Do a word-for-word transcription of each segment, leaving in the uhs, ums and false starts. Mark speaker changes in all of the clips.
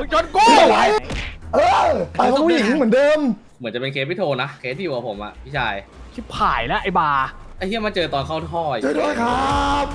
Speaker 1: งชนกูไหวเออไปกับผู้หญิงเหมือนเดิม
Speaker 2: เหมือนจะเป็นเคสพี่โทนะเคสที่อยู่กับผมอะพี่ชาย
Speaker 3: ชิบหายแล้วไอ้บา
Speaker 2: ไอ้เหี้ยมาเจอตอนเข้าท่อ
Speaker 1: ช่วยด้วยครับ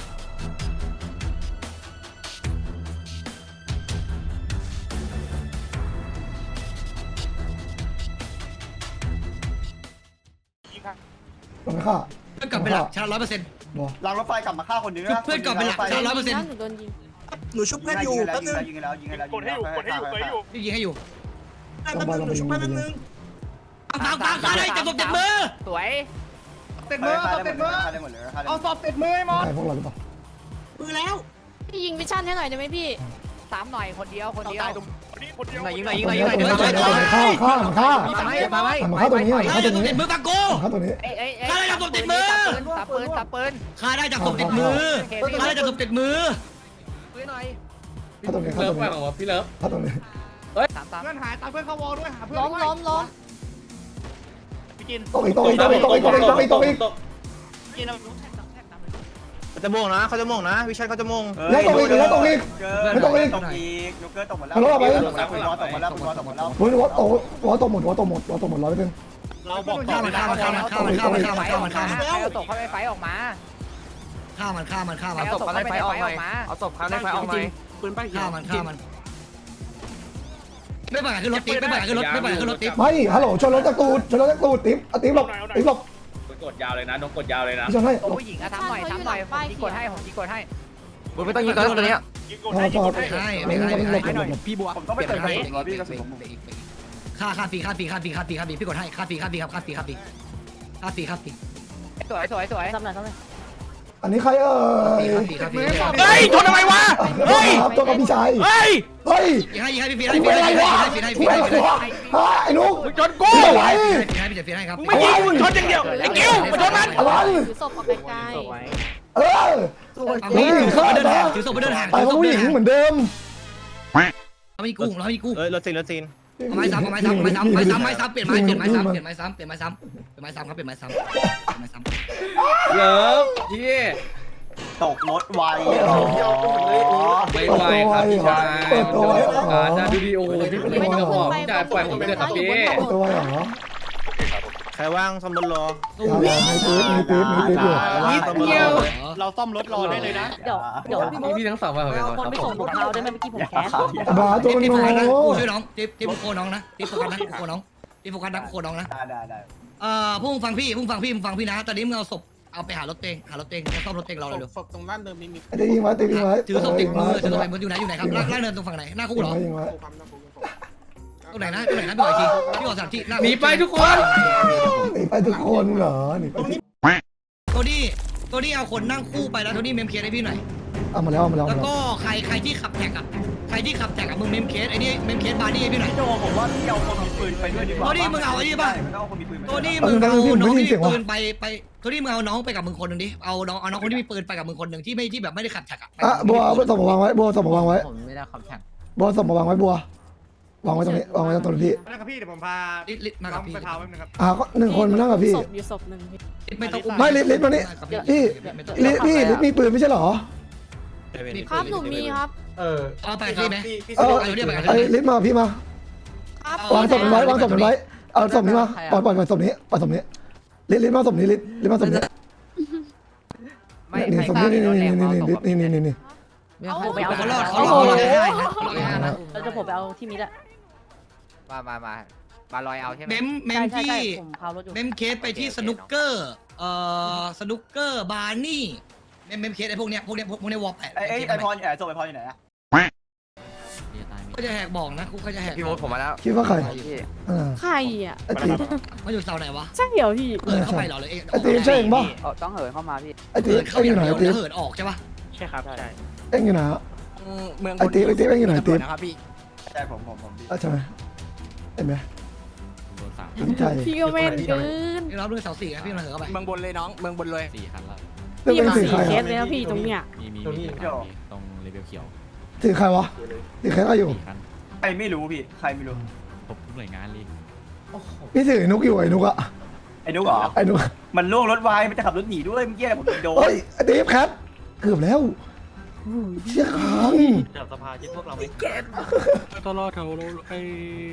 Speaker 1: ลงไปฆ่า
Speaker 4: เพื่อนกลับไปหลักชาร้อยเปอร์เซ็นต์
Speaker 5: รางรถไฟกลับมาฆ่าคนนึง
Speaker 4: เพื่อนกลับไปหลักชาร้อยเปอร์เซ็นต์
Speaker 5: หนูชุบเพื่อนอยู่แป๊บนึงยิงแล้วยิงแล้ว
Speaker 3: กดให้อยู่กดให้อยู่กดให้อยู่
Speaker 4: พี่ยิงให้อยู่
Speaker 5: แป๊บนึงหนูชุบแป๊บนึง
Speaker 4: ฟังฟังฟังเลยจับศพติดมือ
Speaker 3: สวย
Speaker 5: ติดมือติดมือได้หมดเลย
Speaker 3: เอาศพติดมือให้หมด
Speaker 1: พวกเราหรือเปล่า
Speaker 5: มือแล้ว
Speaker 6: พี่ยิงวิชั่นให้หน่อยได้ไหมพี่
Speaker 3: สามหน่อยคนเดียวคนเดียวยิงหน่อยยิงหน่อยยิงห
Speaker 1: ห
Speaker 3: น่อยยิงหน่อยยิงหน่อย
Speaker 1: ฆ่าฆ่าฆ่า
Speaker 3: มาไว้
Speaker 1: มาฆ่าตัวนี้ฆ่าตัวนี้
Speaker 4: ติดมือฟังกู
Speaker 1: ฆ่าตัวนี้
Speaker 4: ฆ่าได้จับศพติดมือ
Speaker 3: ตับปืนตับปืน
Speaker 4: ฆ่าได้จับศพติดมือฆ่าได้จับศพติดมือ
Speaker 3: ปืนหน่อย
Speaker 1: ฆ่าตัวนี้ฆ่า
Speaker 2: เลิ
Speaker 1: ตั
Speaker 2: ฟ
Speaker 1: ว
Speaker 2: ไป
Speaker 1: นี้
Speaker 2: ของพี่เลิฟ
Speaker 1: ฆ่าตัวนี้
Speaker 3: สามสาม
Speaker 7: เพื่อนหายตามเพื่อนเข้าวอลด้วยหาเพื่อน
Speaker 6: ล้มล้มล้ม
Speaker 7: พี่กิน
Speaker 1: ตกอีกตกอีกตกอีกตกอีกตกอีกตกอีกตกอีก
Speaker 7: กินเอา
Speaker 8: เขาจะม่วงนะเขาจะม่วงนะวิชันเขาจะม่วง
Speaker 1: แล้วตกอีกแล้วตกอีก
Speaker 5: ไม่ตกอีกตกอีกนูเกอร์ตกหมดแล้วตกหมดแล้วตกหมดแล้วตกหมดแล้ว
Speaker 1: หัวหัวตกหัวตกหมดหัวตกหมดหัวตกหมดร้อยเปอร์เซ็นต์
Speaker 7: เราบอก
Speaker 4: ฆ่ามันฆ่ามันฆ่ามันฆ่ามันฆ่ามันฆ่ามันฆ่ามันฆ่ามัน
Speaker 3: ใครเอาตกเข้าไปไฟออกมา
Speaker 4: ฆ่ามันฆ่ามันฆ่ามัน
Speaker 3: เอาศพเข้าไปไฟออกมาเอาศพเข้าไปไฟออกมา
Speaker 7: ปืนป้าย
Speaker 4: ฆ่ามันฆ่ามันไม่ไปขึ้นรถติ๊บไม่ไปขึ้นรถไม่ไปขึ้นรถติ๊บ
Speaker 1: ไม่ฮัลโหลชนรถจากตูดชนรถจากตูดติ๊บอ่ะติ๊บหลบติ๊บหลบ
Speaker 2: กดยาวเลยนะน้องกดยาวเลยนะ
Speaker 1: ชนให้
Speaker 3: ตัวผู้หญิงอะทำหน่อยทำหน่อยผมยิงกดให้ผมยิงกดให้
Speaker 8: มึงไม่ต้องยิงตัวตัวนี้
Speaker 1: พอพอ
Speaker 4: ใช่ไม่ใช่ไม่ใช่
Speaker 3: พี่บัว
Speaker 5: ผมต้องไปเติมเองพี่กระสุนผม
Speaker 4: ค่าค่าฟรีค่าฟรีค่าฟรีค่าฟรีค่าฟรีพี่กดให้ค่าฟรีค่าฟรีครับค่าฟรีค่าฟรีค่าฟรีค่าฟรี
Speaker 3: สวยสวยสวย
Speaker 6: ทำหน่อยทำหน่อย
Speaker 1: อันนี้ใครเอ่ย
Speaker 4: ค่าฟรีค่าฟรี
Speaker 3: เฮ้ยชนทำไมวะ
Speaker 1: เฮ้ยครับตัวกับพี่ชาย
Speaker 3: เฮ้ย
Speaker 1: เฮ้ย
Speaker 4: ให้ให้พี่ฟรี
Speaker 1: ไอ้
Speaker 4: ให้
Speaker 1: เว
Speaker 4: พี่
Speaker 1: รอะไร
Speaker 4: ให้
Speaker 1: วะ
Speaker 4: พี่ให้
Speaker 1: ไอ้
Speaker 4: พี่
Speaker 1: เวร
Speaker 4: ให้
Speaker 1: อะไรวะไอ้นุ๊ก
Speaker 3: มึงชนกู
Speaker 1: ไม่ไหว
Speaker 4: พี่ให้พี่จะฟรีให้ครับ
Speaker 3: มึงไม่ยิงมึงชนอย่างเดียวไอ้กิ้วมาชนมัน
Speaker 1: อะไร
Speaker 6: ถือศพออกไกล
Speaker 1: เออ
Speaker 4: นี่ถือศพไปเดินห่างถือศพไปเดินห่าง
Speaker 1: ไปกับผู้หญิงเหมือนเดิม
Speaker 4: เรามีกู้เรามีกู้
Speaker 8: เอ้ยรถซีนรถซีน
Speaker 4: ไม้ซ้ำไม้ซ้ำไม้ซ้ำไม้ซ้ำไม้ซ้ำเปลี่ยนไม้เปลี่ยนไม้ซ้ำเปลี่ยนไม้ซ้ำเปลี่ยนไม้ซ้ำเปลี่ยนไม้ซ้ำครับเปลี่ยนไม้ซ้ำเปลี่ยนไม้ซ้ำ
Speaker 2: เลิฟพี่
Speaker 5: ตกรถไว
Speaker 2: ไม่ไหวครับพี่ชายมันจะไม่สงการนะดูดิโอ้โหพี่เป็นคนกับผมพี่ชายปล่อยผมไปเลยครับพี่
Speaker 1: ตัวเหรอ
Speaker 8: ใครว่างซ่อมรถรอ
Speaker 1: มีปี๊บมีปี๊บมีปี๊บอยู่
Speaker 8: ว่างซ่อมรถรอ
Speaker 7: เราซ่อมรถรอได้เลยนะ
Speaker 6: ๆเดี๋ยวเดี๋ยวพี่
Speaker 2: นี่พี่ทั้งสองมาผมเป็น
Speaker 6: คนไปส่งผมเท้าได้ไหมเมื่อกี้ผมแคส
Speaker 1: บ้าตัวมัน
Speaker 4: ติ๊บ
Speaker 1: โง่
Speaker 4: โฟกัสนะกูช่วยน้องติ๊บติ๊บโคน้องนะติ๊บโฟกัสนะโคน้องติ๊บโฟกัสนะโคน้องนะ
Speaker 5: ได้ได้ได้
Speaker 4: เอ่อพวกมึงฟังพี่พวกมึงฟังพี่มึงฟังพี่นะตอนนี้มึงเอาศพเอาไปหารถเองหารถเองแล้วซ่อมรถเองเราเลย
Speaker 7: ศพตรงด้านเดิมนี้มี
Speaker 1: ตียิงไว้ตียิงไว้
Speaker 4: ถือศพติดมือถือศพติดมืออยู่ไหนอยู่ไหนครับล่างล่างเนินตรงฝั่งไหนหน้าคุกเหรอ
Speaker 1: ยิงไว้
Speaker 7: ความนะผม
Speaker 4: ตรงไหนนะตรงไหนนะพี่บอกอีกทีพี่บอกสถานที่
Speaker 2: หนีไปทุกคน
Speaker 1: หนีไปทุกคนเหรอหนีไป
Speaker 4: โทนี่โทนี่เอาคนนั่งคู่ไปแล้วโทนี่เมมเคสให้พี่หน่อย
Speaker 1: เอามาแล้วเอามาแล้ว
Speaker 4: แล้วก็ใครใครที่ขับแท็กกับใครที่ขับแท็กกับมึงเมมเคสไอ้นี่เมมเคสบาร์นี่ให้พี่หน่อย
Speaker 5: โจผมว่าพี่เอาคนมีปืนไปด้วยดีกว่า
Speaker 4: โทนี่มึงเอาไอ้นี่ป่ะ
Speaker 5: ไม่เอาคนมีปืน
Speaker 4: โทนี่มึงเอาน้องที่มีปืนไปไปโทนี่มึงเอาน้องไปกับมึงคนหนึ่งดิเอาน้องเอาน้องคนที่มีปืนไปกับมึงคนหนึ่งที่ไม่ที่แบบไม่ได้ขับแท็กอะ
Speaker 1: อ่ะบัวสมมาวางไว้บัวสมมาวางไว้
Speaker 3: ผมไม่ได้ขับแข่ง
Speaker 1: บัวสมมาวางไว้บัววางไว้ตรงนี้วางไว้ตรงนี้พี่
Speaker 7: นะครับพี่เดี๋ยวผมพา
Speaker 4: ลิลิมากับพี่
Speaker 7: ไปพาไว้นะครับ
Speaker 1: อ่าก็หนึ่งคนมานั่งกับพี่
Speaker 6: ศพอยู่ศพหนึ่งพี่
Speaker 4: ไม่ต้อง
Speaker 1: ไม่ลิลิมานี่พี่ลิพี่ลิมีปืนไม่ใช่เหรอ
Speaker 6: ครับหนูมีครับ
Speaker 7: เออ
Speaker 4: เอาไปพี่ไหม
Speaker 1: เออไอ้ลิมาพี่มา
Speaker 6: ครับ
Speaker 1: วางศพมันไว้วางศพมันไว้เอาศพนี้มาปล่อยปล่อยปล่อยศพนี้ปล่อยศพนี้ลิลิมาศพนี้ลิลิมาศพนี้
Speaker 3: ไม่
Speaker 1: นี่
Speaker 3: ไม่
Speaker 1: ศพนี้นี่นี่นี่นี่นี่นี่นี่
Speaker 6: เอาไป
Speaker 4: เขา
Speaker 6: เอา
Speaker 4: รอดเขารอดเขารอดได้นะเขารอดได้นะ
Speaker 6: เราจะผมไปเอาที่มิดอะ
Speaker 3: มามามามาลอยเอาใช่ไหม
Speaker 4: เมมเมมที่
Speaker 6: ผมพารถอยู่
Speaker 4: เมมเคสไปที่สนุกเกอร์เอ่อสนุกเกอร์บาร์นี่เมมเมมเคสไอ้พวกเนี้ยพวกเนี้ยพวกเนี้ยวอลแปด
Speaker 5: ไอ้ไอ้ไอพรอยู่ไหนโจไอพรอยู่ไหนอะ
Speaker 4: ก็จะแหกบอกนะกูก็จะแหก
Speaker 8: พี่มดผมมาแล้ว
Speaker 1: คิดว่าใครอ่า
Speaker 6: ใครอ่ะ
Speaker 1: ไอ้ตี
Speaker 4: มาอยู่เสาไหนวะ
Speaker 6: ใช่เดี๋ยวพี่
Speaker 4: เหินเข้าไปเหรอเลยเอง
Speaker 1: ไอ้ตีใช่เองป่ะ
Speaker 3: ต้องเหินเข้ามาพี่
Speaker 1: ไอ้ตี
Speaker 4: เหิน
Speaker 1: เอ็
Speaker 4: เข้าง
Speaker 1: อยู่ไหน
Speaker 4: เดียว
Speaker 1: ไอ้ตี
Speaker 4: แล้วเหินออกใช่ปะ
Speaker 7: ใช่ครับใช่
Speaker 1: เอ็งอยู่ไหน
Speaker 3: เมือง
Speaker 1: ไอ้ตีไอ้ตีเอ็งอยู่ไหนตี
Speaker 3: นะครับพี่
Speaker 5: ใช่ผมผมผมพี่
Speaker 1: ใช่ไหมเห็นไหมใช่
Speaker 6: พี่ก็เม่นเกิน
Speaker 4: พี่รับด้วยเสาสี่นะพี่มาเหินเข้าไป
Speaker 3: เมืองบนเลยน้องเมืองบนเลยสี่คันละ
Speaker 1: เรื่อง
Speaker 6: พี่
Speaker 1: เป็น
Speaker 6: มา
Speaker 1: สื่อ
Speaker 6: สี่
Speaker 1: ใคร
Speaker 6: เค
Speaker 1: อ่ะ
Speaker 6: สเลยนะพี่ตรงเนี้ย
Speaker 9: มีมีมีตรงเลเวลเขียว
Speaker 1: สื่อใครวะสื่อใครก็อยู่
Speaker 9: สี่คัน
Speaker 5: ใครไม่รู้พี่ใครไม่รู้
Speaker 9: ครบทุกหน่วยงานเลย
Speaker 1: พี่สื่อไอ้นุกอยู่ไอ้นุกอะ
Speaker 5: ไอ้นุ๊กเหรอ
Speaker 1: ไอ้นุก
Speaker 5: มันล่วงรถไวมันจะขับรถหนีด้วยเมื่อกี้ผมโดน
Speaker 1: เฮ้ยไอ้ตีฟแคทเกือบแล้วเชี่ยค้าง
Speaker 7: แถวสภาคิดพวกเราไหม
Speaker 9: ตลอดแถวไอ้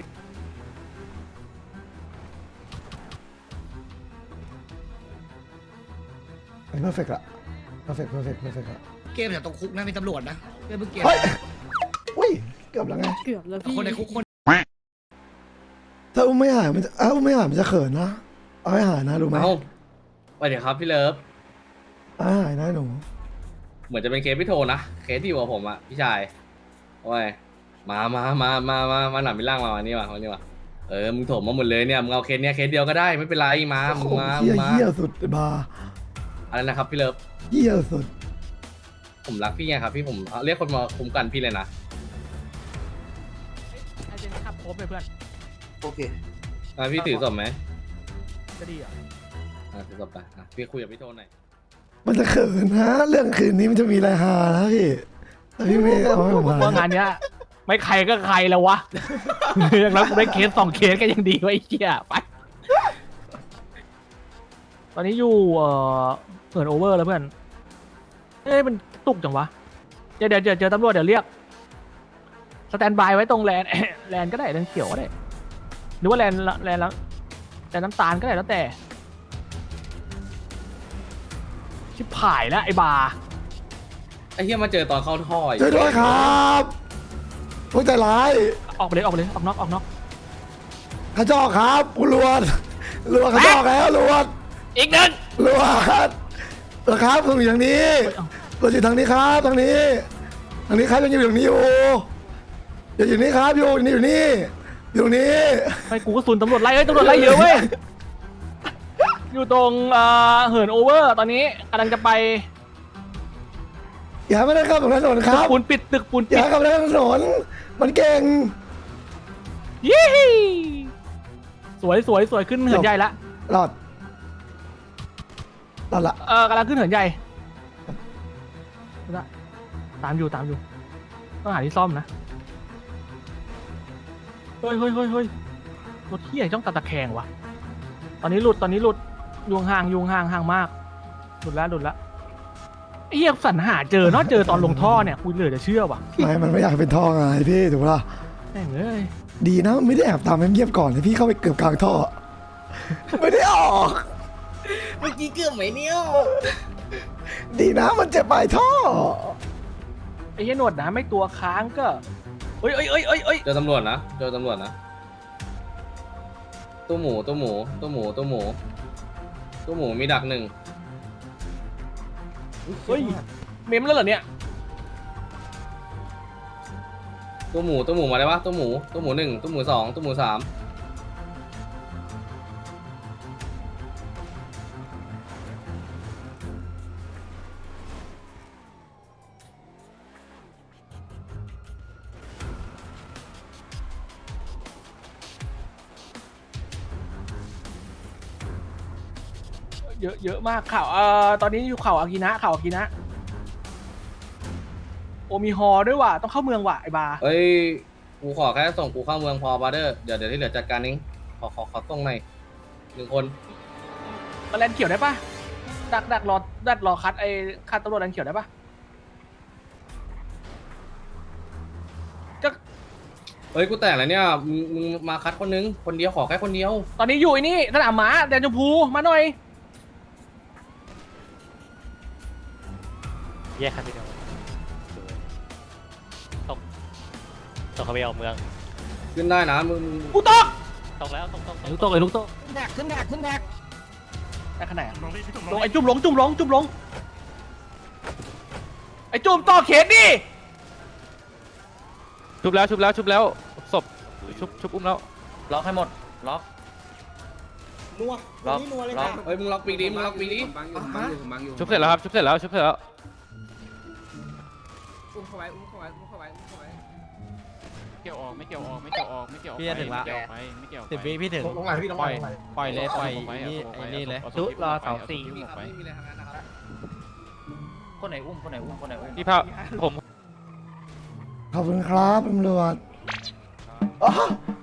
Speaker 1: ไอ้เพอร์เฟกต์อะเพอร์เฟกต์เพอร์เฟกต์เพอร์เฟกต์อะ
Speaker 4: เกมแต่ตรงคุกนะมีตำรวจนะเพื่อนเพิ่งเกม
Speaker 1: เฮ้ยอุ้ยเกือบแล้วไง
Speaker 6: เกือบแล้วพี่
Speaker 4: คนในคุกคน
Speaker 1: ถ้าอุ้มไม่หายมันจะอ้าวอุ้มไม่หายมันจะเขินนะเอาให้หายนะรู้ไหม
Speaker 2: เอ้าไปเดี๋ยวครับพี่เลิฟ
Speaker 1: เอาให้หายนะหนู
Speaker 2: เหมือนจะเป็นเคสพี่โทนะเคสที่อยู่กับผมอะพี่ชายโอ้ยมามามามามามาหนับมิล่างมาวันนี้มาวันนี้มาเออมึงโถมมาหมดเลยเนี่ยมึงเอาเคสเนี้ยเคสเดียวก็ได้ไม่เป็นไรมามึง
Speaker 1: โอ้
Speaker 2: มา
Speaker 1: เหี้
Speaker 2: มึ
Speaker 1: ย
Speaker 2: งมา
Speaker 1: เหี้ยสุดบา
Speaker 2: อะไรนะครับพี่เลิฟ
Speaker 1: เหี้ยสุด
Speaker 2: ผมรักพี่ไงครับพี่ผมเรียกคนมาคุ้มกันพี่เลยนะ
Speaker 6: ไอเจนขับโคบไปเพื่อน
Speaker 5: โอเค
Speaker 2: อ่ะพี่ถือศพไหม
Speaker 6: จะดีอ่ะ
Speaker 2: อ่ะถือศพไปอ่ะพี่คุยกับพี่โทหน่อย
Speaker 1: มันจะเขินนะเรื่องคืนนี้มันจะมีอะไรฮานะพี่แต่พี่ไม่เอาให้ผมหา
Speaker 10: ว่างานเนี้ยไม่ใครก็ใครแล้ววะ อย่างนั้นกูได้เคสสองเคสก็ยังดีกว่าไอ้เหี้ยไป ตอนนี้อยู่เอ่อเหินโอเวอร์แล้วเพื่อน เอ้ยมันตุกจังวะ เดี๋ยวเดี๋ยวเจอเจอตำรวจเดี๋ยวเรียก สแตนบายไว้ตรงแลน แลนก็ได้แลนเขียวก็ได้ หรือว่าแลนแลนแล้วแลนน้ำตาลก็ได้แล้วแต่ ชิบผายแล้วไอ้บา
Speaker 2: ไอ้เหี้ยมาเจอตอนเข้าท่ออีก
Speaker 1: ช่วยด้วยครับพวกใจร้าย
Speaker 10: ออกไปเลยออกไปเลยออกนอกออกนอก
Speaker 1: กระจอกครับกูลวดลวดกระจอกแล้วลวด
Speaker 10: อีกหนึ่ง
Speaker 1: ลวดเหรอครับผมอยู่ทางนี้เราอยู่ทางนี้ครับทางนี้ทางนี้ครับยังอยู่ตรงนี้อยู่อย่าอยู่นี่ครับอยู่นี่อยู่นี่อยู่ตรงนี้
Speaker 10: ไปกูก็สุนตำรวจไล่เอ้ยตำรวจไล่เยอะเว้ย อยู่ตรงเอ่อเหินโอเวอร์ตอนนี้กำลังจะไป
Speaker 1: อย่าไม่ได้ครับตรงถนนค
Speaker 10: ตึ
Speaker 1: รั
Speaker 10: ก
Speaker 1: บ
Speaker 10: ปูนปิดตึกปูน
Speaker 1: อ
Speaker 10: ปิด
Speaker 1: ย่าครับตรงถนนมันเก่ง
Speaker 10: ยี่สวยสวยสวยขึ้นเหินใหญ่ละ
Speaker 1: หลอดหลอดละ
Speaker 10: เออกำลังขึ้นเหินใหญ่ละตามอยู่ตามอยู่ ต้องหาที่ซ่อมนะ เฮ้ยเฮ้ยเฮ้ยเฮ้ยรถที่ใหญ่ต้องตัดตะแคงวะ ตอนนี้หลุดตอนนี้หลุดยุงห่างยุงห่างห่างมาก หลุดแล้วหลุดแล้วไอ้เหี้ยสรรหาเจอเนาะเจอตอนลงท่อเนี่ยคุยเหลือจะเชื่อว่ะ
Speaker 1: ไม่มันไม่อยากเป็นท่อไงพี่ถูกปะล่ะ
Speaker 10: แม่งเอ้ย
Speaker 1: ดีนะไม่ได้แอบตามเงียบๆก่อนเลยพี่เข้าไปเกือบกลางท่อ ไม่ได้ออก
Speaker 2: เมื่อกี้เกือบไหมเนี่ย
Speaker 1: ดีนะมันเจ็บปลายท่อ
Speaker 10: ไอ้เหี้ยหนวดนะไม่ตัวค้างก็เอ้ยเอ้ยเอ้ยเอ้ยเอ้ย
Speaker 2: เจอตำรวจนะเจอตำรวจนะตู้หมูตู้หมูตู้หมูตู้หมูตู้หมูมีดักหนึ่ง
Speaker 10: เฮ้ยเมมแล้วเหรอเนี่ย
Speaker 2: ตู้หมูตู้หมูมาได้ปะตู้หมูตู้หมูหนึ่งตู้หมูสองตู้หมูสาม
Speaker 10: เยอะเยอะมากข่าวเอ่อตอนนี้อยู่ข่าวอากินะข่าวอากินะโอมีฮอด้วยว่ะต้องเข้าเมืองว่ะไอ้บา
Speaker 2: เอ้ยกูขอแค่ส่งกูเข้าเมืองพอบาร์เดอร์เดี๋ยวเดี๋ยวที่เหลือจัดการเองขอขอขอส่งหน่อยหนึ่งคน
Speaker 10: มาแลนเขียวได้ปะดักดักรอดักรอคัดไอ้คัดตำรวจแลนเขียวได้ปะจะ
Speaker 2: เฮ้ยกูแตกแล้วเนี่ยมึงมึงมาคัดคนนึงคนเดียวขอแค่คนเดียว
Speaker 10: ตอนนี้อยู่ไอ้นี่สนามม้าแดนชมพูมาหน่อย
Speaker 7: แยกกันทีเดียวตกตกเข้าไปเอาเมือง
Speaker 2: ขึ้นได้นะมึง
Speaker 10: กูตก
Speaker 7: ตกแล้วตกตก
Speaker 10: ไอ้ลูกตกไอ้ลูกตก
Speaker 4: แท็กขึ้นแท็กขึ้นแท็ก
Speaker 10: ได้ขนาดลงไอ้จุ่มลงจุ่มลงจุ่มลงไอ้จุ่มต่อเขตดิ
Speaker 9: ชุบแล้วชุบแล้วชุบแล้วศพชุบชุบอุ้มแล้ว
Speaker 8: ล็อกให้หมดล็อก
Speaker 5: นัว
Speaker 8: ล็อก
Speaker 5: นี่นัวเลย
Speaker 8: ล็อ
Speaker 5: นะ
Speaker 8: ก
Speaker 2: เฮ้ยมึงล็อกปีกดิมึงล็อกปีกดิ
Speaker 9: ชุบเสร็จแล้วครับชุบเสร็จแล้วชุบเสร็จแล้ว
Speaker 2: อุ้มเข้าไว้อุ้มเข้าไว้อุ้มเข้าไว้อุ้มเข้าไว้
Speaker 9: เกี่ยวออกไม่เกี่ยวออกไม่เกี่ยวออกไม่เกี่ยวออก
Speaker 7: พี่จะถึงละ
Speaker 9: ไม่เกี่ยวไปไม่เกี่ยว
Speaker 7: สิบวิพี่ถึง
Speaker 5: ลงมาพี่ลง
Speaker 7: ป
Speaker 5: มา
Speaker 7: ล่อยปล่อยเลยปล่อยนี่ไอ้นี่เลย
Speaker 9: ชุรอเสาสี่
Speaker 2: ไม่มีครับไม่มีอะไรทั้งนั้นนะครับ
Speaker 8: คนไหนอุ้มคนไหนอุ้มคนไหนอุ้ม
Speaker 9: พี่พาผม
Speaker 1: ขอบคุณครับตำรวจอ๋อ